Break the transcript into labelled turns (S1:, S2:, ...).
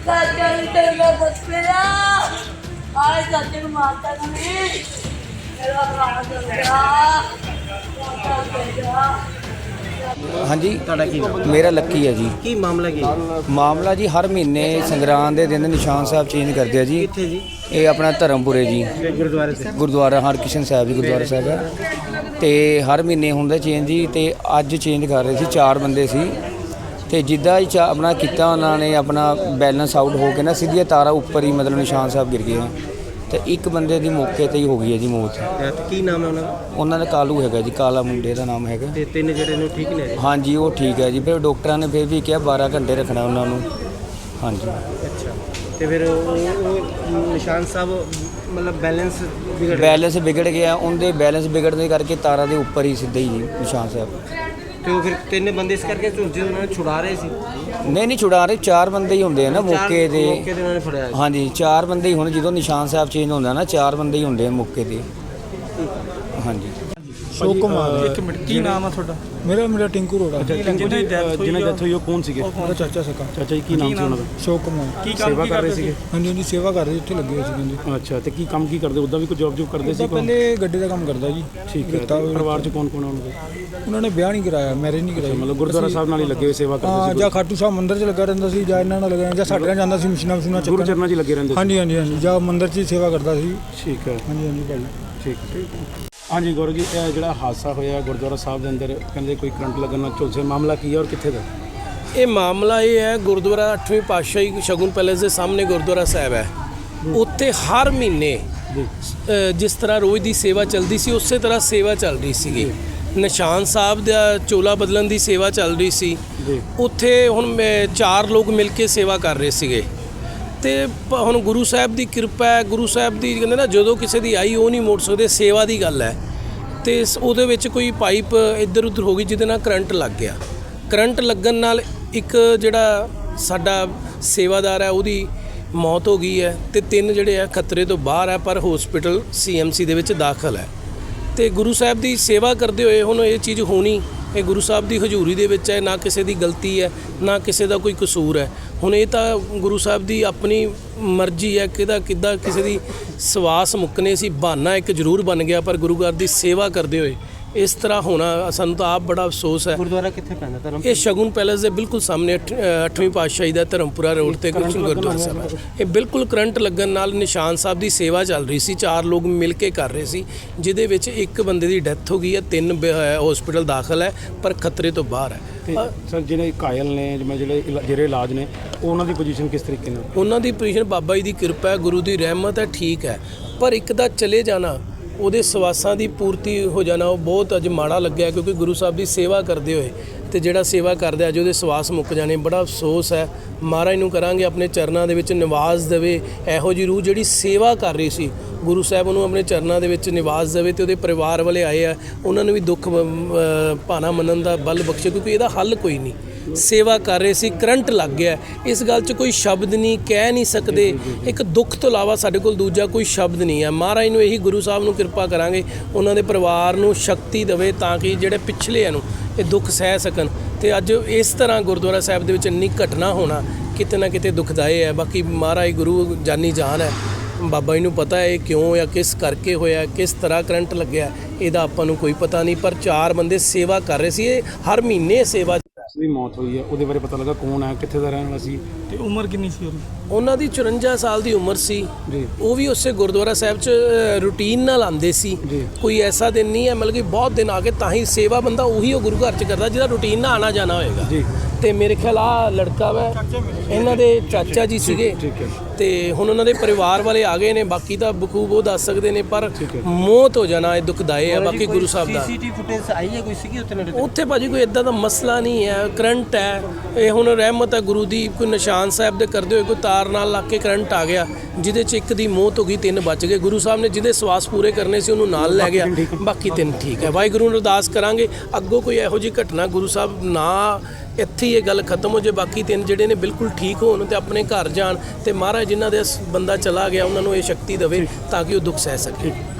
S1: चाचा ने तेरा बच गया आज चाचे को मारता नहीं मेरा प्राण चल गया
S2: हाँ जी
S3: ਤੁਹਾਡਾ ਕੀ ਨਾਮ
S2: मेरा लक्की है जी।
S3: ਕੀ ਮਾਮਲਾ ਕੀ
S2: मामला जी हर महीने संगरांद के दिन निशान साहब चेंज करते हैं जी।
S3: ਕਿੱਥੇ ਜੀ
S2: ये अपना धर्मपुरे जी
S3: ਗੁਰਦੁਆਰੇ ਤੇ
S2: गुरुद्वारा हरकिशन साहब जी गुरुद्वारा साहब है तो हर महीने होंगे चेंज जी। तो अज चेंज कर रहे थे 4 बंदे सी तो जिदा ही अपना किया उन्होंने अपना बैलेंस आउट हो के ना सीधिया तारा उपर ही मतलब निशान साहब गिर गए तो एक बंदे की मौके पर ही हो गई है जी मौत।
S3: ਤੇ ਕੀ ਨਾਮ ਹੈ ਉਹਨਾਂ ਦਾ
S2: उन्होंने कालू है जी, काला मुंडे का नाम है।
S3: ਤੇ ਤਿੰਨ ਜਿਹੜੇ ਨੇ ਉਹ ਠੀਕ ਨੇ
S2: हाँ जी वो ठीक है जी। फिर डॉक्टर ने फिर भी कहा 12 घंटे रखना उन्होंने। हाँ जी
S3: ਅੱਛਾ ਤੇ ਫਿਰ ਉਹ ਨਿਸ਼ਾਨ ਸਾਹਿਬ ਮਤਲਬ ਬੈਲੈਂਸ ਵਿਗੜ ਗਿਆ
S2: बैलेंस बिगड़ गया उनके बैलेंस बिगड़ने करके तारा के उपर ही सीधे ही निशान साहब।
S3: ਤੇ ਉਹ ਫਿਰ ਤਿੰਨ ਬੰਦੇ ਇਸ ਕਰਕੇ ਝੁਲਸੇ ਉਹਨਾਂ ਨੇ ਛੁਡਾ ਰਹੇ ਸੀ
S2: नहीं छुड़ा रहे 4 बंदे ही होंगे ना मौके ते।
S3: ਮੌਕੇ ਤੇ ਉਹਨਾਂ ਨੇ ਫੜਿਆ
S2: हाँ जी 4 बंदे ही होने जो निशान साहब चेंज होंगे ना 4 बंदे ही होंगे मौके ते। हाँ जी
S4: ਸ਼ੋਕ ਕੁਮਾਰ
S5: ਇੱਕ ਮਿੰਟ ਕੀ ਨਾਮ ਆ ਤੁਹਾਡਾ?
S4: ਮੇਰਾ ਟਿੰਕੂ ਰੋੜਾ
S5: ਜਿਹਨਾਂ ਦੀ ਡੈਥ ਹੋਈ ਉਹ ਕੌਣ ਸੀਗੇ?
S4: ਮੇਰਾ ਚਾਚਾ ਸਕਾ
S5: ਚਾਚਾ ਜੀ ਕੀ ਨਾਮ ਸੀ ਉਹਨਾਂ ਦਾ?
S4: ਸ਼ੋਕ ਕੁਮਾਰ
S5: ਕੀ ਕੰਮ ਕਰ ਰਹੇ ਸੀਗੇ?
S4: ਹਾਂਜੀ ਹਾਂਜੀ ਸੇਵਾ ਕਰ ਰਹੇ ਇੱਥੇ ਲੱਗੇ ਹੋਏ ਸੀ ਕਹਿੰਦੇ
S5: ਅੱਛਾ ਤੇ ਕੀ ਕੰਮ ਕੀ ਕਰਦੇ? ਉੱਦਾਂ ਵੀ ਕੋਈ ਜੌਬ ਕਰਦੇ ਸੀ?
S4: ਤਾਂ ਪਹਿਲੇ ਗੱਡੀ ਦਾ ਕੰਮ ਕਰਦਾ ਜੀ।
S5: ਠੀਕ ਹੈ। ਪਰਿਵਾਰ 'ਚ ਕੌਣ ਕੌਣ ਆਉਣਗੇ?
S4: ਉਹਨਾਂ ਨੇ ਵਿਆਹ ਨਹੀਂ ਕਰਾਇਆ, ਮੈਰਿਜ ਨਹੀਂ ਕਰਾਈ।
S5: ਮਤਲਬ ਗੁਰਦੁਆਰਾ ਸਾਹਿਬ ਨਾਲ ਹੀ ਲੱਗੇ ਹੋਏ ਸੇਵਾ ਕਰਦੇ
S4: ਹਾਂ
S5: ਸੀ?
S4: ਜਾਂ ਖਾਟੂ ਸਾਹਿਬ ਮੰਦਿਰ 'ਚ ਲੱਗਾ ਰਹਿੰਦਾ ਸੀ ਜਾਂ ਇਹਨਾਂ ਨਾਲ ਲੱਗਾ ਜਾਂ ਸਾਡੇ ਨਾਲ ਜਾਂਦਾ ਸੀ ਮਸ਼ੀਨਾਂ
S5: ਗੁਰੂ
S4: ਚੱਕਣ।
S5: ਚਰਨਾਂ 'ਚ ਹੀ ਲੱਗੇ ਰਹਿੰਦੇ ਸੀ?
S4: ਹਾਂਜੀ ਹਾਂਜੀ ਹਾਂਜੀ ਜਾਂ ਮੰਦਿਰ 'ਚ ਹੀ ਸੇਵਾ ਕਰਦਾ ਸੀ।
S5: ਠੀਕ ਹੈ।
S4: ਹਾਂਜੀ ਹਾਂਜੀ ਭਾਈ
S5: ਠੀਕ ਹਾਂਜੀ ਗੌਰਵ ਜੀ ਇਹ ਜਿਹੜਾ ਹਾਦਸਾ ਹੋਇਆ ਗੁਰਦੁਆਰਾ ਸਾਹਿਬ ਦੇ ਅੰਦਰ ਕਹਿੰਦੇ ਕੋਈ ਕਰੰਟ ਲੱਗਣ ਨਾਲ ਝੁਲਸੇ ਮਾਮਲਾ ਕੀ ਹੈ ਔਰ ਕਿੱਥੇ ਦਾ?
S6: ਇਹ ਮਾਮਲਾ ਇਹ ਹੈ ਗੁਰਦੁਆਰਾ 8ਵੀਂ ਪਾਤਸ਼ਾਹੀ ਸ਼ਗੁਨ ਪੈਲੇਸ ਦੇ ਸਾਹਮਣੇ ਗੁਰਦੁਆਰਾ ਸਾਹਿਬ ਹੈ। ਉੱਥੇ ਹਰ ਮਹੀਨੇ ਜਿਸ ਤਰ੍ਹਾਂ ਰੋਜ਼ ਦੀ ਸੇਵਾ ਚੱਲਦੀ ਸੀ ਉਸੇ ਤਰ੍ਹਾਂ ਸੇਵਾ ਚੱਲ ਰਹੀ ਸੀਗੀ। ਨਿਸ਼ਾਨ ਸਾਹਿਬ ਦਾ ਚੋਲਾ ਬਦਲਣ ਦੀ ਸੇਵਾ ਚੱਲ ਰਹੀ ਸੀ। ਉੱਥੇ ਹੁਣ 4 ਲੋਕ ਮਿਲ ਕੇ ਸੇਵਾ ਕਰ ਰਹੇ ਸੀਗੇ ਤੇ ਹੁਣ ਗੁਰੂ ਸਾਹਿਬ ਦੀ ਕਿਰਪਾ ਹੈ। ਗੁਰੂ ਸਾਹਿਬ ਦੀ ਕਹਿੰਦੇ ਨਾ ਜਦੋਂ ਕਿਸੇ ਦੀ ਆਈ ਉਹ ਨਹੀਂ ਮੋੜ ਸਕਦੇ, ਸੇਵਾ ਦੀ ਗੱਲ ਹੈ। ਤੇ ਉਹਦੇ ਵਿੱਚ ਕੋਈ ਪਾਈਪ ਇੱਧਰ ਉੱਧਰ ਹੋ ਗਈ ਜਿਹਦੇ ਨਾਲ ਕਰੰਟ ਲੱਗ ਗਿਆ। ਕਰੰਟ ਲੱਗਣ ਨਾਲ ਇੱਕ ਜਿਹੜਾ ਸਾਡਾ ਸੇਵਾਦਾਰ ਹੈ ਉਹਦੀ ਮੌਤ ਹੋ ਗਈ ਹੈ ਤੇ 3 ਜਿਹੜੇ ਆ ਖਤਰੇ ਤੋਂ ਬਾਹਰ ਹੈ ਪਰ ਹਸਪੀਟਲ CMC ਦੇ ਵਿੱਚ ਦਾਖਲ ਹੈ। ਤੇ ਗੁਰੂ ਸਾਹਿਬ ਦੀ ਸੇਵਾ ਕਰਦੇ ਹੋਏ ਹੁਣ ਇਹ ਚੀਜ਼ ਹੋਣੀ ਇਹ ਗੁਰੂ ਸਾਹਿਬ ਦੀ ਹਜ਼ੂਰੀ ਦੇ ਵਿੱਚ ਹੈ, ਨਾ ਕਿਸੇ ਦੀ ਗਲਤੀ ਹੈ ਨਾ ਕਿਸੇ ਦਾ ਕੋਈ ਕਸੂਰ ਹੈ। ਹੁਣ ਇਹ ਤਾਂ ਗੁਰੂ ਸਾਹਿਬ ਦੀ ਆਪਣੀ ਮਰਜ਼ੀ ਹੈ ਕਿੱਦਾਂ ਕਿਸੇ ਦੀ ਸਵਾਸ ਮੁੱਕਨੇ ਸੀ। ਬਹਾਨਾ ਇੱਕ ਜ਼ਰੂਰ ਬਣ ਗਿਆ ਪਰ ਗੁਰੂ ਘਰ ਦੀ ਸੇਵਾ ਕਰਦੇ ਹੋਏ ਇਸ ਤਰ੍ਹਾਂ ਹੋਣਾ ਸਾਨੂੰ ਤਾਂ ਆਪ ਬੜਾ ਅਫਸੋਸ ਹੈ।
S3: ਗੁਰਦੁਆਰਾ ਕਿੱਥੇ ਪੈਂਦਾ ਧਰਮ?
S6: ਇਹ ਸ਼ਗੁਨ ਪੈਲੇਸ ਦੇ ਬਿਲਕੁਲ ਸਾਹਮਣੇ 8ਵੀਂ ਪਾਤਸ਼ਾਹੀ ਦਾ ਧਰਮਪੁਰਾ ਰੋਡ ਤੇ ਗੁਰਦੁਆਰਾ ਸਾਹਿਬ ਹੈ। ਇਹ ਬਿਲਕੁਲ ਕਰੰਟ ਲੱਗਣ ਨਾਲ ਨਿਸ਼ਾਨ ਸਾਹਿਬ ਦੀ ਸੇਵਾ ਚੱਲ ਰਹੀ ਸੀ। 4 ਲੋਕ ਮਿਲ ਕੇ ਕਰ ਰਹੇ ਸੀ ਜਿਹਦੇ ਵਿੱਚ ਇੱਕ ਬੰਦੇ ਦੀ ਡੈਥ ਹੋ ਗਈ ਹੈ, 3 ਹਸਪੀਟਲ ਦਾਖਲ ਹੈ ਪਰ ਖਤਰੇ ਤੋਂ ਬਾਹਰ ਹੈ।
S5: ਤੇ ਸਰ ਜਿਹੜੇ ਕਾਇਲ ਨੇ ਜਿਵੇਂ ਜਿਹੜੇ ਇਲਾਜ ਨੇ ਉਹਨਾਂ ਦੀ ਪੋਜੀਸ਼ਨ ਕਿਸ ਤਰੀਕੇ ਨਾਲ?
S6: ਉਹਨਾਂ ਦੀ ਪੋਜੀਸ਼ਨ ਬਾਬਾ ਜੀ ਦੀ ਕਿਰਪਾ ਹੈ, ਗੁਰੂ ਦੀ ਰਹਿਮਤ ਹੈ, ਠੀਕ ਹੈ। ਪਰ ਇੱਕ ਦਾ ਚਲੇ ਜਾਣਾ ਉਹਦੇ ਸਵਾਸਾਂ ਦੀ ਪੂਰਤੀ ਹੋ ਜਾਣਾ ਉਹ ਬਹੁਤ ਅੱਜ ਮਾੜਾ ਲੱਗਿਆ ਕਿਉਂਕਿ ਗੁਰੂ ਸਾਹਿਬ ਦੀ ਸੇਵਾ ਕਰਦੇ ਹੋਏ ਤੇ ਜਿਹੜਾ ਸੇਵਾ ਕਰਦਾ ਅੱਜ ਉਹਦੇ ਸਵਾਸ ਮੁੱਕ ਜਾਣੇ ਬੜਾ ਅਫਸੋਸ ਹੈ। ਮਹਾਰਾਜ ਨੂੰ ਕਰਾਂਗੇ ਆਪਣੇ ਚਰਨਾਂ ਦੇ ਵਿੱਚ ਨਿਵਾਸ ਦੇਵੇ। ਇਹੋ ਜਿਹੀ ਰੂਹ ਜਿਹੜੀ ਸੇਵਾ ਕਰ ਰਹੀ ਸੀ ਗੁਰੂ ਸਾਹਿਬ ਉਹਨੂੰ ਆਪਣੇ ਚਰਨਾਂ ਦੇ ਵਿੱਚ ਨਿਵਾਸ ਦੇਵੇ ਤੇ ਉਹਦੇ ਪਰਿਵਾਰ ਵਾਲੇ ਆਏ ਆ ਉਹਨਾਂ ਨੂੰ ਵੀ ਦੁੱਖ ਭਾਣਾ ਮੰਨਣ ਦਾ ਬਲ ਬਖਸ਼ੇ ਕਿਉਂਕਿ ਇਹਦਾ ਹੱਲ ਕੋਈ ਨਹੀਂ। ਸੇਵਾ ਕਰ ਰਹੇ ਸੀ, ਕਰੰਟ ਲੱਗ ਗਿਆ। ਇਸ ਗੱਲ 'ਚ ਕੋਈ ਸ਼ਬਦ ਨਹੀਂ ਕਹਿ ਨਹੀਂ ਸਕਦੇ। ਇੱਕ ਦੁੱਖ ਤੋਂ ਇਲਾਵਾ ਸਾਡੇ ਕੋਲ ਦੂਜਾ ਕੋਈ ਸ਼ਬਦ ਨਹੀਂ ਹੈ। ਮਹਾਰਾਜ ਨੂੰ ਇਹੀ ਗੁਰੂ ਸਾਹਿਬ ਨੂੰ ਕਿਰਪਾ ਕਰਾਂਗੇ ਉਹਨਾਂ ਦੇ ਪਰਿਵਾਰ ਨੂੰ ਸ਼ਕਤੀ ਦੇਵੇ ਤਾਂ ਕਿ ਜਿਹੜੇ ਪਿਛਲੇ ਨੂੰ ਇਹ ਦੁੱਖ ਸਹਿ ਸਕਣ। ਤੇ ਅੱਜ ਇਸ ਤਰ੍ਹਾਂ ਗੁਰਦੁਆਰਾ ਸਾਹਿਬ ਦੇ ਵਿੱਚ ਇੰਨੀ ਘਟਨਾ ਹੋਣਾ ਕਿਤੇ ਨਾ ਕਿਤੇ ਦੁਖਦਾਈ ਹੈ। ਬਾਕੀ ਮਹਾਰਾਜ ਗੁਰੂ ਜਾਨੀ ਜਾਨ ਹੈ, ਬਾਬਾ ਜੀ ਨੂੰ ਪਤਾ ਹੈ ਇਹ ਕਿਉਂ ਜਾਂ ਕਿਸ ਕਰਕੇ ਹੋਇਆ, ਕਿਸ ਤਰ੍ਹਾਂ ਕਰੰਟ ਲੱਗਿਆ ਇਹਦਾ ਆਪਾਂ ਨੂੰ ਕੋਈ ਪਤਾ ਨਹੀਂ। ਪਰ 4 ਬੰਦੇ ਸੇਵਾ ਕਰ ਰਹੇ ਸੀ। ਇਹ ਹਰ ਮਹੀਨੇ ਸੇਵਾ
S5: ਦੀ ਮੌਤ ਹੋਈ ਹੈ ਉਹਦੇ ਬਾਰੇ ਪਤਾ ਲੱਗਾ ਕੌਣ ਹੈ, ਕਿੱਥੇ ਦਾ ਰਹਿਣ ਵਾਲਾ ਸੀ
S4: ਤੇ ਉਮਰ ਕਿੰਨੀ ਸੀ
S6: ਉਹਨਾਂ ਦੀ? 54 ਸਾਲ ਦੀ ਉਮਰ ਸੀ
S5: ਜੀ।
S6: ਉਹ ਵੀ ਉਸੇ ਗੁਰਦੁਆਰਾ ਸਾਹਿਬ 'ਚ ਰੂਟੀਨ ਨਾਲ ਆਉਂਦੇ ਸੀ। ਕੋਈ ਐਸਾ ਦਿਨ ਨਹੀਂ ਹੈ ਮਤਲਬ ਕਿ ਬਹੁਤ ਦਿਨ ਆ ਕੇ ਤਾਂ ਹੀ ਸੇਵਾ ਬੰਦਾ ਉਹੀ ਉਹ ਗੁਰੂ ਘਰ 'ਚ ਕਰਦਾ ਜਿਹਦਾ ਰੂਟੀਨ ਨਾਲ ਆਣਾ ਜਾਣਾ ਹੋਏਗਾ
S5: ਜੀ।
S6: ਤੇ ਮੇਰੇ ਖਿਆਲ ਆ ਲੜਕਾ ਵਾ ਇਹਨਾਂ ਦੇ ਚਾਚਾ ਜੀ ਸੀਗੇ ਤੇ ਹੁਣ ਉਹਨਾਂ ਦੇ ਪਰਿਵਾਰ ਵਾਲੇ ਆ ਗਏ ਨੇ। ਬਾਕੀ ਤਾਂ ਬਖੂਬ ਉਹ ਦੱਸ ਸਕਦੇ ਨੇ ਪਰ ਮੌਤ ਹੋ ਜਾਣਾ ਇਹ ਦੁਖਦਾਈ ਹੈ। ਬਾਕੀ ਗੁਰੂ ਸਾਹਿਬ ਦਾ
S3: CCTV ਫੁਟੇਜ ਆਈ ਹੈ ਕੋਈ ਸੀਗੀ ਉੱਥੇ ਨੇੜੇ?
S6: ਉੱਥੇ ਭਾਜੀ ਕੋਈ ਇਦਾਂ ਦਾ ਮਸਲਾ ਨਹੀਂ ਹੈ। ਕਰੰਟ ਹੈ ਇਹ ਹੁਣ ਰਹਿਮਤ ਹੈ ਗੁਰੂ ਦੀ। ਕੋਈ ਨਿਸ਼ਾਨ ਸਾਹਿਬ ਦੇ ਕਰਦੇ ਹੋਏ ਕੋਈ ਤਾਰ ਨਾਲ ਲੱਗ ਕੇ ਕਰੰਟ ਆ ਗਿਆ ਜਿਹਦੇ 'ਚ ਇੱਕ ਦੀ ਮੌਤ ਹੋ ਗਈ, 3 ਬਚ ਗਏ। ਗੁਰੂ ਸਾਹਿਬ ਨੇ ਜਿਹਦੇ ਸਵਾਸ ਪੂਰੇ ਕਰਨੇ ਸੀ ਉਹਨੂੰ ਨਾਲ ਲੈ ਗਿਆ, ਬਾਕੀ 3 ਠੀਕ ਹੈ। ਵਾਹਿਗੁਰੂ ਨੂੰ ਅਰਦਾਸ ਕਰਾਂਗੇ ਅੱਗੋਂ ਕੋਈ ਇਹੋ ਜਿਹੀ ਘਟਨਾ ਗੁਰੂ ਸਾਹਿਬ ਨਾ ਇੱਥੇ ਹੀ ਇਹ ਗੱਲ ਖਤਮ ਹੋ ਜੇ। ਬਾਕੀ 3 ਜਿਹੜੇ ਨੇ ਬਿਲਕੁਲ ਠੀਕ ਹੋਣ ਤੇ ਆਪਣੇ ਘਰ ਜਾਣ ਤੇ ਮਹਾਰਾਜ ਜਿਨ੍ਹਾਂ ਦੇ ਬੰਦਾ ਚਲਾ ਗਿਆ ਉਹਨਾਂ ਨੂੰ ਇਹ ਸ਼ਕਤੀ ਦੇਵੇ ਤਾਂ ਕਿ ਉਹ ਦੁੱਖ ਸਹਿ ਸਕੇ।